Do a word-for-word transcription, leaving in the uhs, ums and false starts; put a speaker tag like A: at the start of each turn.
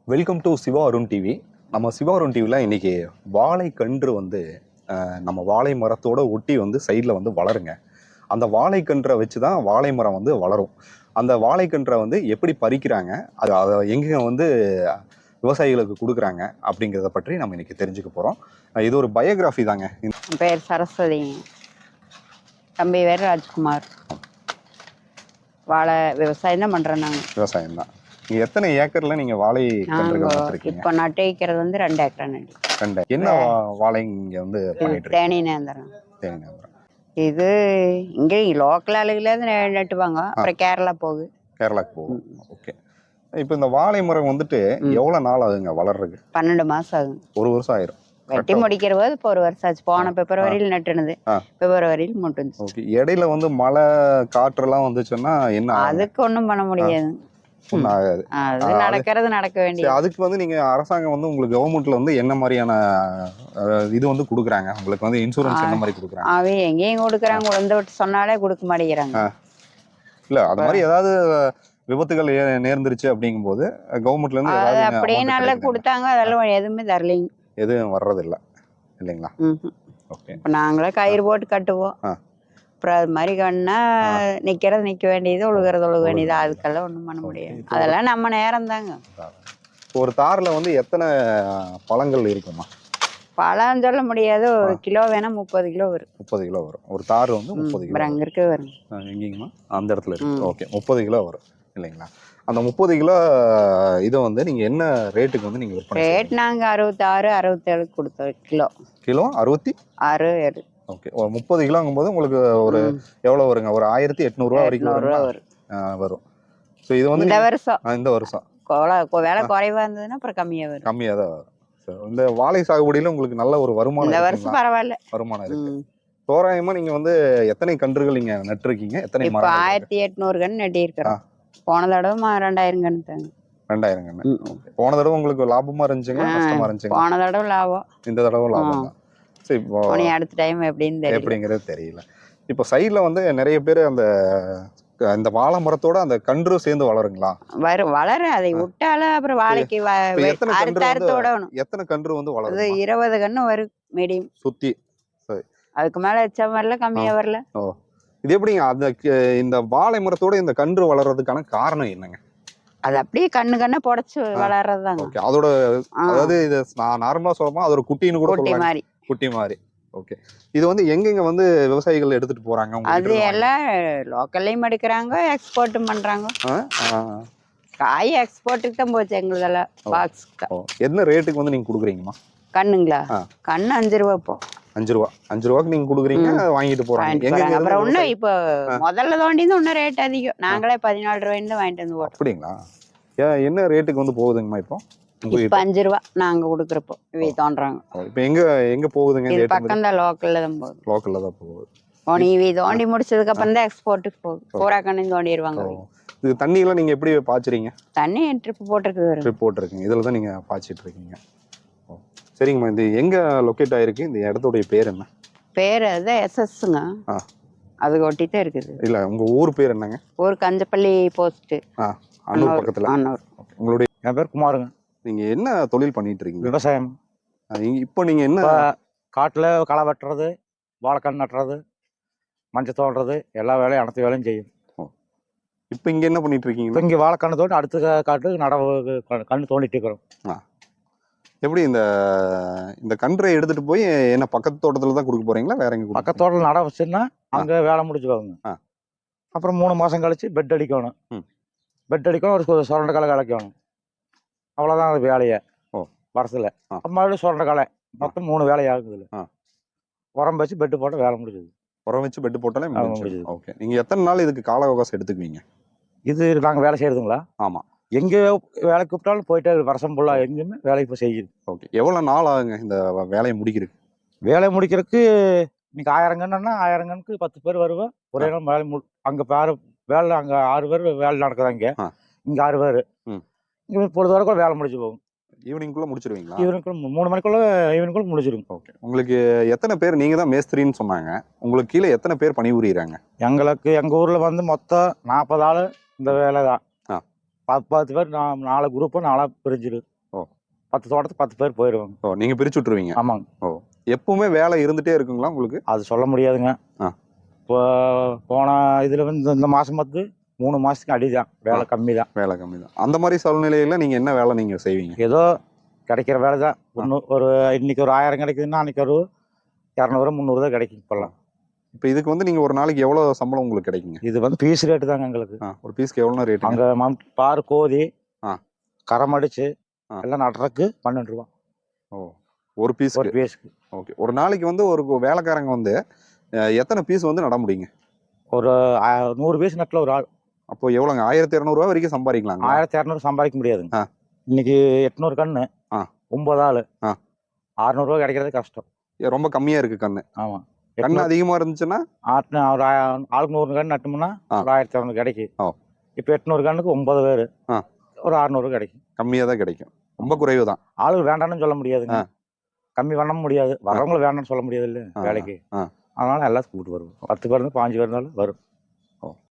A: Welcome to Siva Arun TV. நம்ம சிவா அருண் டிவியில் இன்னைக்கு வாழை கன்று வந்து நம்ம வாழை மரத்தோட ஒட்டி வந்து சைடில் வந்து வளருங்க. அந்த வாழை கன்றை வச்சு தான் வாழை மரம் வந்து வளரும். அந்த வாழை கன்றை வந்து எப்படி பறிக்கிறாங்க, அது அதை எங்கே வந்து விவசாயிகளுக்கு கொடுக்குறாங்க அப்படிங்கிறத பற்றி நம்ம இன்னைக்கு தெரிஞ்சுக்க போகிறோம். இது ஒரு பயோகிராஃபி தாங்க.
B: பேர் சரஸ்வதி, தம்பி பேர் ராஜ்குமார். வாழை விவசாயம் தான் பண்ணுறோம் நாங்கள்.
A: விவசாயம் தான். நீங்க எத்தனை ஏக்கர்ல நீங்க வாழை கன்றுகள் நட்டிருக்கீங்க?
B: இப்போ நட்டு வைக்கிறது வந்து ரெண்டு ஏக்கர் நட்டு.
A: ரெண்டு. என்ன வாழை இங்க வந்து பண்ணிட்டு
B: தேனி நேந்திரம்.
A: தேனி நேந்திரம்.
B: இது இங்க லோக்கல் ஆளுகளே நட்டுவாங்க. அப்புறம் கேரளா போகுது.
A: கேரளாக்கு போகும். ஓகே. இப்போ இந்த வாழை மரம் வந்துட்டு எவ்வளவு நாள் ஆகுங்க வளர்றதுக்கு?
B: பன்னெண்டு மாசம் ஆகும்.
A: ஒரு வருஷம் ஆயிரும்.
B: வெட்டி முடிக்கிற போது இப்போ ஒரு வருஷம் ஆச்சு. போன பிப்ரவரியில் நட்டுனது, பிப்ரவரியில் மட்டும்.
A: ஓகே. இடையில வந்து மழை காற்றெல்லாம் வந்துச்சுன்னா என்ன?
B: அதுக்கு ஒன்றும் பண்ண முடியாது.
A: ஆகாது.
B: அது நடக்கிறது நடக்க வேண்டியது.
A: அதுக்கு வந்து நீங்க அரசாங்கம் வந்து உங்களுக்கு கவர்மெண்ட்ல வந்து என்ன மாதிரியான இது வந்து கொடுக்குறாங்க? உங்களுக்கு வந்து இன்சூரன்ஸ் என்ன மாதிரி கொடுக்குறாங்க?
B: அவை எங்கேயும் கொடுக்குறாங்க, உழந்து விட்டு சொன்னாலே கொடுக்க மாட்டேங்கிறாங்க.
A: இல்ல அது மாதிரி ஏதாவது விபத்துகள் நேர்ந்துருச்சு அப்படிங்கும் போது கவர்மெண்ட்ல இருந்து ஏதாவது
B: அப்படியே நல்லா கொடுத்தாங்க, அதெல்லாம் எதுவுமே தரலைங்க.
A: எதுவும் வர்றது இல்லை இல்லைங்களா?
B: ஓகே. இப்போ நாங்களே கயிறு போட்டு கட்டுவோம். அப்புறம் அது மாதிரி கண்ணா நிற்கிறது நிற்க வேண்டியது, ஒழுகிறது ஒழுக வேண்டியது. அதுக்கெல்லாம் ஒன்றும் பண்ண முடியாது. அதெல்லாம் நம்ம நேரம் தாங்க.
A: ஒரு தாரில் வந்து எத்தனை பழங்கள் இருக்குமா?
B: பழம் சொல்ல முடியாது. ஒரு கிலோ வேணா முப்பது கிலோ வரும்.
A: முப்பது கிலோ வரும் ஒரு தார் வந்து முப்பது கிலோ.
B: அங்கே இருக்க வரும்.
A: எங்கேங்கம்மா? அந்த இடத்துல இருக்கு. ஓகே. முப்பது கிலோ வரும் இல்லைங்களா? அந்த முப்பது கிலோ இதை வந்து நீங்கள் என்ன ரேட்டுக்கு வந்து நீங்கள் விற்பனை?
B: ரேட் நாங்கள் அறுபத்தாறு அறுபத்தேழு கொடுத்தோம். கிலோ கிலோ
A: அறுபத்தி ஆறு ஏழு. ஓகே. ஒரு முப்பது கிலோங்கும் போது உங்களுக்கு ஒரு எவ்வளோ வருங்க? ஒரு ஆயிரத்தி எட்நூறுரூவா வரைக்கும் வரும் வரும். ஸோ இது வந்து
B: இந்த வருஷம்
A: இந்த வருஷம்
B: வேலை குறைவா இருந்ததுன்னா அப்புறம் கம்மியாக வரும்.
A: கம்மியாக தான் வரும். இந்த வாழை சாகுபடியில் உங்களுக்கு நல்ல ஒரு வருமானம்
B: இந்த வருஷம் பரவாயில்ல
A: வருமானம் இருக்கு. தோராயமா நீங்க வந்து எத்தனை கன்றுகள் நீங்க நட்டிருக்கீங்க? எத்தனை மரம்?
B: ஆயிரத்தி எட்நூறு கன்று நட்டி இருக்கிறோம். போன தடவை ரெண்டாயிரம் கன்று தாங்க.
A: ரெண்டாயிரம் கன்று. போன தடவை உங்களுக்கு லாபமா இருந்துச்சுங்க, கஷ்டமா இருந்துச்சுங்க?
B: போன தடவை லாபம், இந்த
A: தடவை லாபம் தான். சரி, இப்போ
B: அடுத்த டைம் எப்படின்னு
A: எப்படிங்கிறது தெரியல. இப்போ சைட்ல வந்து நிறைய பேர் அந்த இந்த வாழை மரத்தோட அந்த கன்று சேர்ந்து வளருங்களா?
B: வரும், வளர. அதை விட்டாலும் அப்புறம் வாழைக்கு
A: எத்தனை கன்று வந்து வளருது?
B: இருபது கன்று வரும் மீடியம்
A: சுத்தி.
B: அதுக்கு மேல எச்சா வரல, கம்மியா வரல.
A: ஓ, இது எப்படிங்க அந்த இந்த வாழை மரத்தோட இந்த கன்று வளர்றதுக்கான காரணம் என்னங்க?
B: அது அப்படியே கண்ணு கண்ணு புடைச்சு வளர்றதுதாங்க.
A: ஓகே. அதோட அதாவது இது நான் நார்மலா சொல்லமா அது ஒரு குட்டின்னு கூட
B: குட்டி மாதிரி.
A: குட்டி மாதிரி. ஓகே. இது வந்து எங்கெங்க வந்து விவசாயிகள் எடுத்துட்டு போறாங்க?
B: அது எல்லாம் லோக்கல்லையும் எடுக்கிறாங்க, எக்ஸ்போர்ட்டும் பண்றாங்க. காய் எக்ஸ்போர்ட்டுக்கு தான் போச்சு எங்களுதெல்லாம். பாக்ஸ்
A: என்ன ரேட்டுக்கு வந்து நீங்க கொடுக்குறீங்கம்மா?
B: கண்ணுங்களா? கண்ணு அஞ்சு ரூபா. இப்போ
A: அஞ்சு ரூபா அஞ்சு ரூபாய்க்கு நீங்க கொடுக்குறீங்க, வாங்கிட்டு போறாங்க.
B: அப்புறம் ஒன்னும் இப்போ முதல்ல தோண்டி ஒன்னும் ரேட் அதிகம். நாங்களே பதினாலு ரூபாய்ன்னு தான் வாங்கிட்டு வந்து போறோம்.
A: அப்படிங்களா? என்ன ரேட்டுக்கு வந்து போகுதுங்கம்மா இப்போ?
B: இப்போ அஞ்சு ரூபா நாங்க கொடுக்குறப்போ இவை தோன்றாங்க.
A: இப்போ எங்க எங்க போகுதுங்க?
B: பக்கம் தான், லோக்கல்ல தான் போகுது.
A: லோக்கல்ல தான் போகுது.
B: ஓ, நீ இவை தோண்டி முடிச்சதுக்கு அப்புறம் தான் எக்ஸ்போர்ட்டுக்கு போகுது. பூரா கண்ணையும் தோண்டிடுவாங்க.
A: இது தண்ணி எல்லாம் நீங்க எப்படி பாய்ச்சுறீங்க?
B: தண்ணி ட்ரிப் போட்டிருக்கு.
A: ட்ரிப் போட்டிருக்கீங்க. இதுல தான் நீங்க பாய்ச்சிட்டு இருக்கீங்க. சரிங்கம்மா. இது எங்க லொக்கேட் ஆயிருக்கு? இந்த இடத்துடைய பேர் என்ன?
B: பேர் அதுதான் எஸ்எஸ்ங்க. அதுக்கு ஒட்டி தான் இருக்குது.
A: இல்ல உங்க ஊர் பேர் என்னங்க?
B: ஊர் கஞ்சப்பள்ளி போஸ்ட்,
A: அன்னூர் பக்கத்துல.
B: அன்னூர்.
A: உங்களுடைய?
C: என் பேர் குமாருங்க.
A: நீங்க என்ன தொழில் பண்ணிட்டு இருக்கீங்க?
C: விவசாயம்.
A: இப்போ நீங்க என்ன?
C: காட்டுல களை வெட்டுறது, வாழைக்கன்று நட்டுறது, மஞ்சள் தோண்டுறது, எல்லா வேலையும் அனைத்து வேலையும் செய்யும்.
A: இப்போ இங்க என்ன பண்ணிட்டு இருக்கீங்க?
C: இப்போ இங்க வாழைக்கன்று தோண்டி அடுத்த காட்டுக்கு நடவு கண்ணு தோண்டிட்டு இருக்கிறோம்.
A: எப்படி இந்த இந்த கன்றை எடுத்துட்டு போய் என்ன பக்கத்து தோட்டத்துல தான் கொடுக்க போறீங்களா, வேற எங்க?
C: பக்கத்து தோட்டத்தில் நட வச்சுன்னா அங்க வேலை முடிச்சுக்கோங்க. அப்புறம் மூணு மாசம் கழிச்சு பெட் அடிக்கணும். பெட் அடிக்கணும், ஒரு சுரண்ட களை கலைக்கணும். அவ்வளோதான் அது வேலையை. ஓ, வருஷத்துல மறுபடியும் சுரண்ட களை. மொத்தம் மூணு வேலை ஆகுது. உரம் வச்சு பெட்டு போட்டால் வேலை முடிஞ்சது.
A: உரம் வச்சு பெட்டு போட்டாலே முடிஞ்சது. ஓகே. நீங்க எத்தனை நாள் இதுக்கு கால அவகாசம் எடுத்துக்குவீங்க?
C: இது நாங்கள் வேலை செய்யறதுங்களா?
A: ஆமா.
C: எங்க வேலைக்கு கூப்பிட்டாலும் போயிட்டு வருஷம் ஃபுல்லா எங்கேயுமே வேலைக்கு இப்போ செய்யுது.
A: ஓகே. எவ்வளோ நாள் ஆகுங்க இந்த வேலையை முடிக்கிறதுக்கு?
C: வேலையை முடிக்கிறதுக்கு இன்னைக்கு ஆயிரம் கண்ணுன்னா ஆயிரம் கண்ணுக்கு பத்து பேர் வருவேன். ஒரே நாள் வேலை மு அங்கே பேர் வேலை அங்கே ஆறு பேர் வேலை நடக்குதாங்க. இங்கே ஆறு பேர். இங்கே பொழுது வரைக்கும் வேலை முடிச்சு போகும்.
A: ஈவினிங்குள்ள முடிச்சிருவீங்களா?
C: ஈவினிங்குள்ள மூணு மணிக்குள்ள ஈவினிங்குள்ள முடிச்சிருங்க.
A: ஓகே. உங்களுக்கு எத்தனை பேர்? நீங்க தான் மேஸ்திரின்னு சொன்னாங்க. உங்களுக்கு கீழே எத்தனை பேர் பணிபுரியுறாங்க?
C: எங்களுக்கு எங்க ஊர்ல வந்து மொத்தம் நாற்பது ஆள் இந்த வேலை தான். பத்து பத்து பேர் நாலு குரூப்பு நாலா பிரிஞ்சிரு.
A: ஓ.
C: பத்து தோட்டத்துக்கு பத்து பேர் போயிடுவாங்க.
A: ஓ நீங்க பிரிச்சு விட்டுருவீங்க.
C: ஆமாங்க.
A: ஓ எப்பவுமே வேலை இருந்துட்டே இருக்குங்களா உங்களுக்கு?
C: அது சொல்ல முடியாதுங்க.
A: ஆ.
C: இப்போ போன இதில் வந்து இந்த- இந்த மாதம் பார்த்து மூணு மாதத்துக்கு அடிதான், வேலை கம்மி தான்.
A: வேலை கம்மி தான். அந்த மாதிரி சூழ்நிலையில நீங்க என்ன வேலை நீங்க செய்வீங்க?
C: ஏதோ கிடைக்கிற வேலை தான். ஒன்று ஒரு இன்னைக்கு ஒரு ஆயிரம் கிடைக்குதுன்னா அன்னைக்கு ஒரு இரநூறு முந்நூறு தான் கிடைக்கும் இப்போல்லாம்.
A: இப்போ இதுக்கு வந்து நீங்க ஒரு நாளைக்கு எவ்வளவு சம்பளம் உங்களுக்கு கிடைக்குங்க?
C: இது வந்து பீஸ் ரேட்டு தாங்க எங்களுக்கு.
A: ஆ, ஒரு பீஸ்க்கு எவ்வளோ ரேட்?
C: அங்கே மம் பாரு கோதி
A: ஆ.
C: கரம் அடிச்சு
A: ஆ.
C: எல்லாம் நடுறதுக்கு பன்னெண்டு ரூபா
A: ஓ ஒரு பீஸ்.
C: ஒரு பீஸுக்கு.
A: ஓகே. ஒரு நாளைக்கு வந்து ஒரு வேலைக்காரங்க வந்து அஹ், எத்தனை பீஸ் வந்து நட முடியுங்க?
C: ஒரு ஆ, நூறு பீஸ் நட்டில் ஒரு ஆள்.
A: அப்போ எவ்வளோங்க? ஆயிரத்தி இரநூறுவா வரைக்கும் சம்பாதிக்கலாங்க?
C: ஆயிரத்தி இரநூறு சம்பாதிக்க முடியாதுங்க.
A: ஆ.
C: இன்னைக்கு எட்நூறு கன்று,
A: ஆ.
C: ஒன்பது ஆள்,
A: ஆ.
C: அறுநூறுவா கிடைக்கிறது கஷ்டம்.
A: ஏ, ரொம்ப கம்மியா இருக்கு கண்ணு.
C: ஆமாம்.
A: கண்ணு அதிகமா இருந்துச்சுன்னா
C: ஆட்டின ஒரு ஆ- ஆளுக்கு நூறு கன்று நட்டோம்னா
A: ஆ.
C: ஒரு ஆயிரத்தி இரநூறு கிடைக்கும்.
A: ஓ.
C: இப்போ எட்நூறு கண்ணுக்கு ஒன்பது பேர்,
A: ஆ.
C: ஒரு அறுநூறு கிடைக்கும்.
A: கம்மியா தான் கிடைக்கும். ரொம்ப குறைவு தான்.
C: ஆளுக்கு வேண்டாம்னு சொல்ல முடியாதுங்க.
A: ஆ.
C: கம்மி பண்ண முடியாது. வரவங்களை வேண்டாம்னு சொல்ல முடியாது இல்லை
A: ஆ.
C: வேலைக்கு.
A: ஆ.
C: அதனால எல்லாத்துக்கும் கூப்பிட்டு வருவோம். பத்து பேர் இருந்து பாஞ்சு பேர் இருந்தாலும் வரும்.